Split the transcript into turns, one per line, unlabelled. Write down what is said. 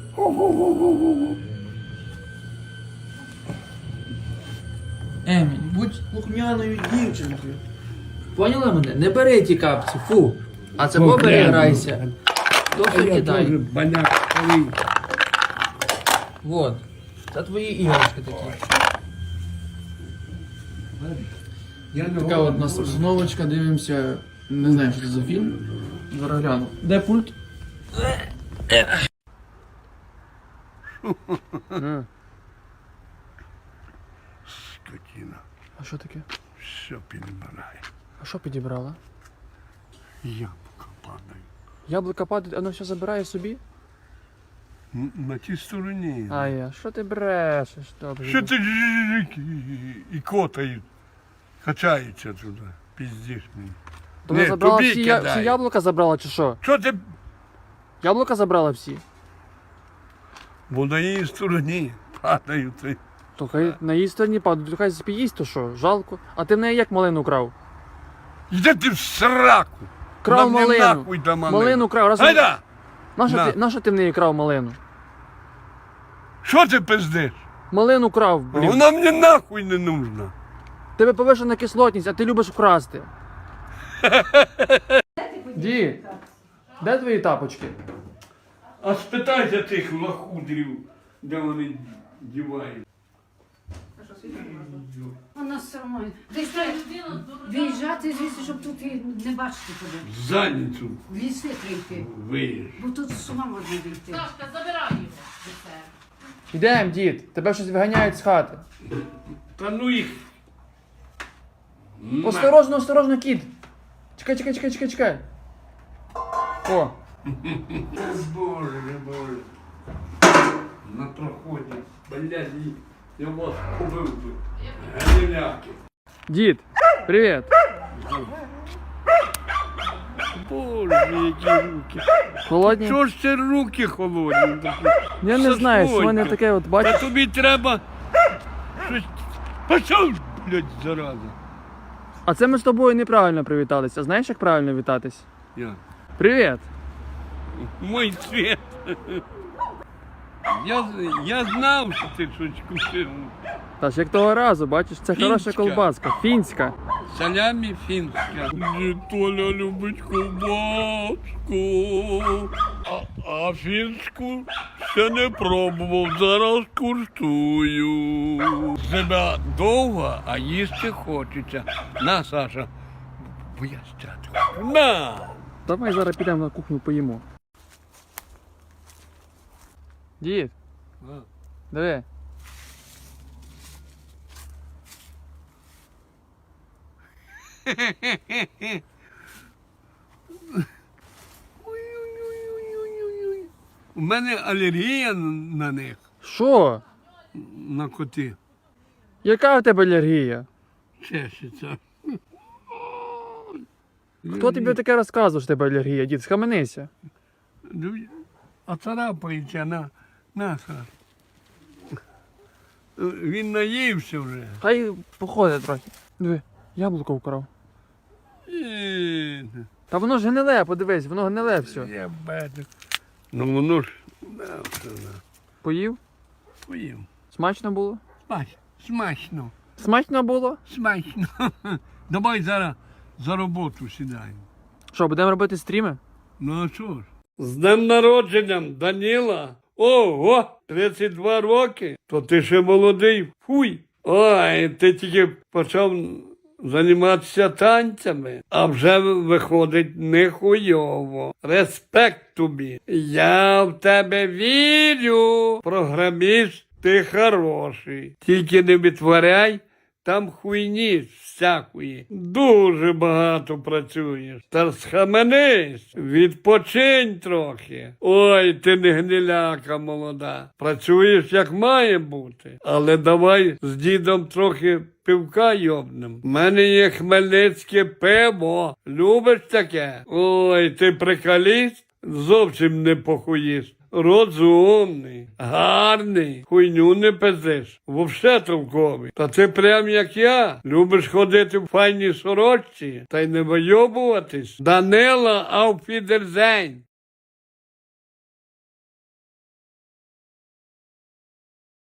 Еміль, будь слухняною дівчинкою. Поняла мене? Не бери ті капці, фу. А це побери, грайся. То все кидай. Вот. Це твої іграшки такі. Така от у нас обстановочка, дивимося. Не знаю, що це за фільм. Зараз гляну. Де пульт?
Скотина.
А що таке?
Все підбирає.
А що підібрала?
Яблука падає.
Яблука падає, воно все забирає собі?
На тій стороні.
А що ти брешеш? Добре.
Що ти і котають. Качаються туди. Піздиш мені.
То вона
Ні,
забрала
тобі
всі
кидаю.
яблука забрала чи що?
Що ти?
Яблука забрала всі?
Бо на її стороні падають.
То хай на її стороні падають, то хай поїсть, то що? Жалко. А ти в неї як малину крав?
Йди ти в сраку.
Крав
Нам не
малину.
нахуй до малину.
Малину крав. Раз...
Гайда! На.
Нащо ти в неї крав малину?
Що ти пиздиш?
Малину крав, блін.
Вона мені нахуй не нужна.
Тебе повишена кислотність, а ти любиш вкрасти. Ді, де твої тапочки?
А спитайся тих лохудрів, де вони дівають.
Вона все одно. Десь треба виїжджати звідси, щоб тут і не бачити тебе.
Задницю
В ліси треба йти.
виїж.
Бо тут з ума можна вийти.
Сашка, забирай його.
Ідем, дід, тебе щось виганяють з хати.
Та ну їх.
Осторожно, осторожно, кіт. Чекай. О,
Боже, боже. На проході. Блядь, я вас побив би. Галіляки.
дід, привіт.
Боже, які руки.
Холодні?
Чого ж це руки холодні такі?
Я не знаю, що в мене
Сашонька.
таке от,
Та
бачиш?
тобі треба щось. Пішов, блядь, зараза.
А це ми з тобою неправильно привіталися. Знаєш, як правильно вітатись?
Я.
Привіт.
Мой цвет. Я знав, що ти щось купив.
Та ж як того разу, бачиш, це хороша
Фінська.
колбаска, фінська.
Салямі фінська. Толя любить ковбаску. А фінську ще не пробував, зараз куштую. Зима довга, а їсти хочеться. На, Саша, бо я стяти хочу. На!
Давай зараз підемо на кухню поїмо. Дід, диви.
Ой-ой-ой-ой-ой-ой. У мене алергія на них,
Що?
на коти.
Яка в тебе алергія?
Чешеться.
Хто тобі таке розказував, що в тебе алергія, дід? Схаменися.
А царапається на Саш. Він наївся вже.
Хай походить трохи. Диви, яблуко вкрав. Та воно ж гниле, подивись, воно гниле все.
Я бачу. Ну воно ж все,
Поїв?
поїв.
Смачно було?
Смачно.
Смачно було?
Смачно. Давай зараз за роботу сідаємо.
Що, будемо робити стріми?
Ну а що ж? З днем народженням, Даніла. Ого, 32 роки. То ти ще молодий. Фуй. Ой, ти тільки почав займатися танцями, а вже виходить нехуйово. Респект тобі. Я в тебе вірю. Програміст, ти хороший. Тільки не витворяй там хуйні всякої. Дуже багато працюєш. Та схаменись, відпочинь трохи. Ой, ти не гниляка молода. Працюєш як має бути. Але давай з дідом трохи пивка йобнем. У мене є хмельницьке пиво. Любиш таке? Ой, ти приколіст? Зовсім не похуїст. Розумний, гарний, хуйню не пиздиш, вовсе толковий. Та ти прям як я, любиш ходити в файній сорочці та й не вийобуватись. Данила, ауфідерзень.